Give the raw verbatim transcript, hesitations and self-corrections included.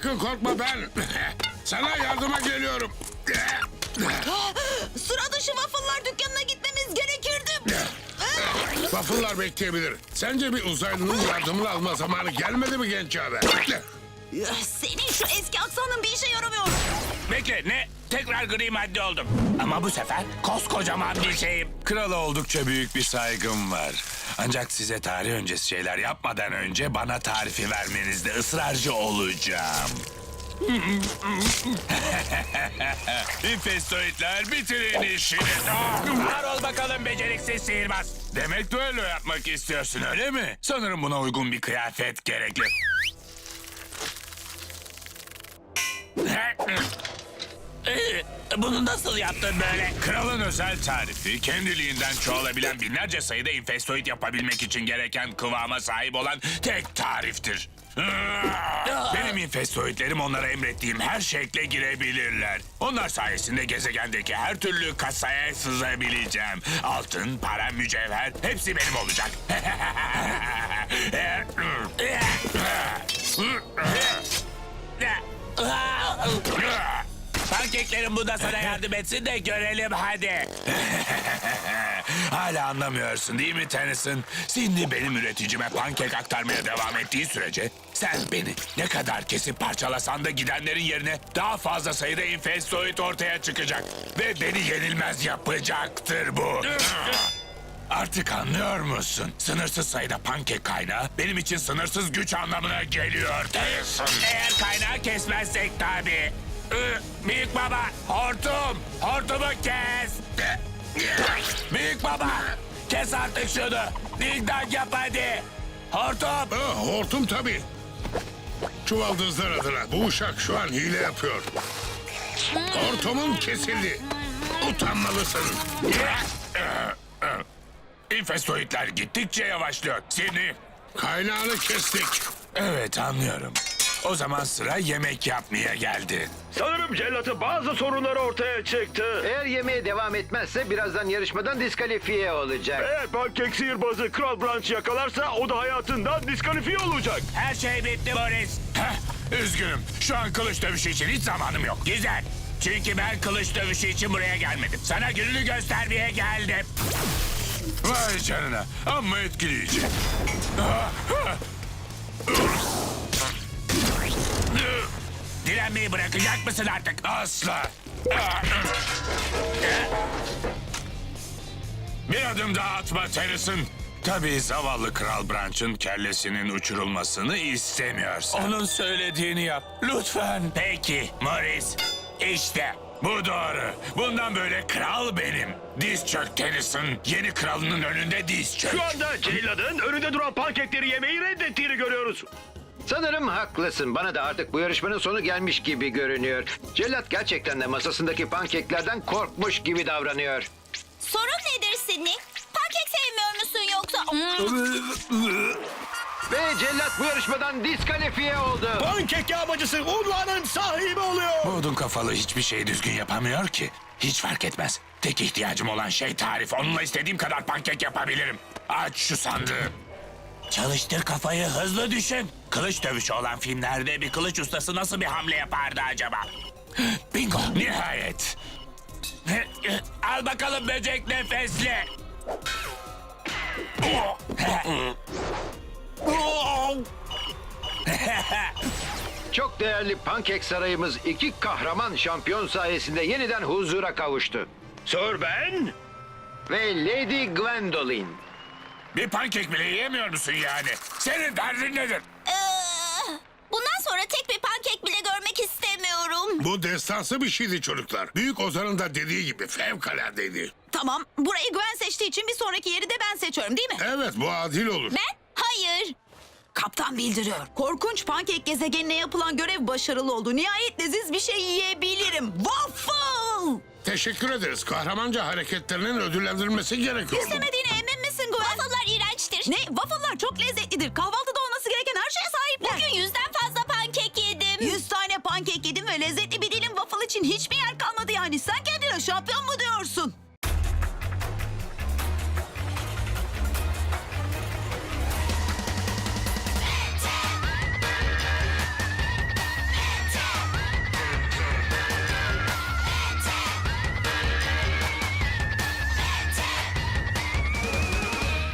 Sakın korkma ben. Sana yardıma geliyorum. Sıra dışı waffle'lar dükkanına gitmemiz gerekirdi. Waffle'lar bekleyebilir. Sence bir uzaylının yardımını alma zamanı gelmedi mi genç abi? Senin şu eski aksanın bir işe yaramıyor. Bekle ne? Tekrar gri madde oldum. Ama bu sefer koskocaman bir şeyim. Krala oldukça büyük bir saygım var. Ancak size tarih öncesi şeyler yapmadan önce bana tarifi vermenizde ısrarcı olacağım. İnfestoidler bitirin işini. Var ol bakalım beceriksiz sihirbaz. Demek düello yapmak istiyorsun öyle mi? Sanırım buna uygun bir kıyafet gerekli. Bunu nasıl yaptın böyle? Kralın özel tarifi, kendiliğinden çoğalabilen binlerce sayıda infestoid yapabilmek için gereken kıvama sahip olan tek tariftir. Benim infestoidlerim onlara emrettiğim her şekle girebilirler. Onlar sayesinde gezegendeki her türlü kasaya sızabileceğim. Altın, para, mücevher hepsi benim olacak. Pankeklerin bu da sana yardım etsin de görelim hadi. Hala anlamıyorsun değil mi Tennyson? Cindy benim üreticime pankek aktarmaya devam ettiği sürece sen beni ne kadar kesip parçalasan da gidenlerin yerine daha fazla sayıda infestoid ortaya çıkacak. Ve beni yenilmez yapacaktır bu. Artık anlıyor musun? Sınırsız sayıda pankek kaynağı benim için sınırsız güç anlamına geliyor Tennyson. Eğer kaynağı kesmezsek tabii. Ü, Büyük baba, hortum, hortumu kes. Büyük baba, kes artık şunu. Ding dong yap hadi. Hortum. Ah, hortum tabii. Çuvaldızlar adına bu uşak şu an hile yapıyor. Hortumun kesildi. Utanmalısın. İnfestoidler gittikçe yavaşlıyor. Seni. Kaynağını kestik. Evet anlıyorum. O zaman sıra yemek yapmaya geldi. Sanırım cellatın bazı sorunları ortaya çıktı. Eğer yemeğe devam etmezse birazdan yarışmadan diskalifiye olacak. Eğer pankek sihirbazı Kral Branch yakalarsa o da hayatından diskalifiye olacak. Her şey bitti Boris. Heh, üzgünüm. Şu an kılıç dövüşü için hiç zamanım yok. Güzel. Çünkü ben kılıç dövüşü için buraya gelmedim. Sana gününü göstermeye geldim. Vay canına. Amma etkileyici. Direnmeyi bırakacak mısın artık? Asla. Bir adım daha atma Tennyson. Tabii zavallı Kral Branch'ın kellesinin uçurulmasını istemiyorsan. Onun söylediğini yap. Lütfen. Peki Morris. İşte. Bu doğru. Bundan böyle kral benim. Diz çök Tennyson. Yeni kralının önünde diz çök. Şu anda celladın önünde duran pankekleri yemeyi reddettiğini görüyoruz. Sanırım haklısın. Bana da artık bu yarışmanın sonu gelmiş gibi görünüyor. Cellat gerçekten de masasındaki pankeklerden korkmuş gibi davranıyor. Sorun nedir Sidney? Pankek sevmiyor musun yoksa? Ve cellat bu yarışmadan diskalifiye oldu. Pankek yağmacısı unvanın sahibi oluyor. Bu odun kafalı hiçbir şeyi düzgün yapamıyor ki. Hiç fark etmez. Tek ihtiyacım olan şey tarif. Onunla istediğim kadar pankek yapabilirim. Aç şu sandığı. Çalıştır kafayı, hızlı düşün. Kılıç dövüşü olan filmlerde bir kılıç ustası nasıl bir hamle yapardı acaba? Bingo. Nihayet. Al bakalım böcek nefesli. Çok değerli pankek sarayımız iki kahraman şampiyon sayesinde yeniden huzura kavuştu. Sir Ben, Ve Lady Gwendoline. Bir pankek bile yiyemiyor musun yani? Senin derdin nedir? Ee, bundan sonra tek bir pankek bile görmek istemiyorum. Bu destansı bir şeydi çocuklar. Büyük Ozan'ın da dediği gibi fevkaladeydi. Tamam, burayı Gwen seçtiği için bir sonraki yeri de ben seçiyorum değil mi? Evet, bu adil olur. Ben? Hayır. Kaptan bildiriyor. Korkunç pankek gezegenine yapılan görev başarılı oldu. Nihayet leziz bir şey yiyebilirim. Waffle! Teşekkür ederiz. Kahramanca hareketlerinin ödüllendirilmesi gerekiyordu. İstemediğine emin misin Gwen? Waffle'lar iğrençtir. Ne? Waffle'lar çok lezzetlidir. Kahvaltıda olması gereken her şeye sahipler. Bugün yüzden fazla pankek yedim. Yüz tane pankek yedim ve lezzetli bir dilim waffle için hiçbir yer kalmadı yani. Sen kendine şampiyon mu diyorsun?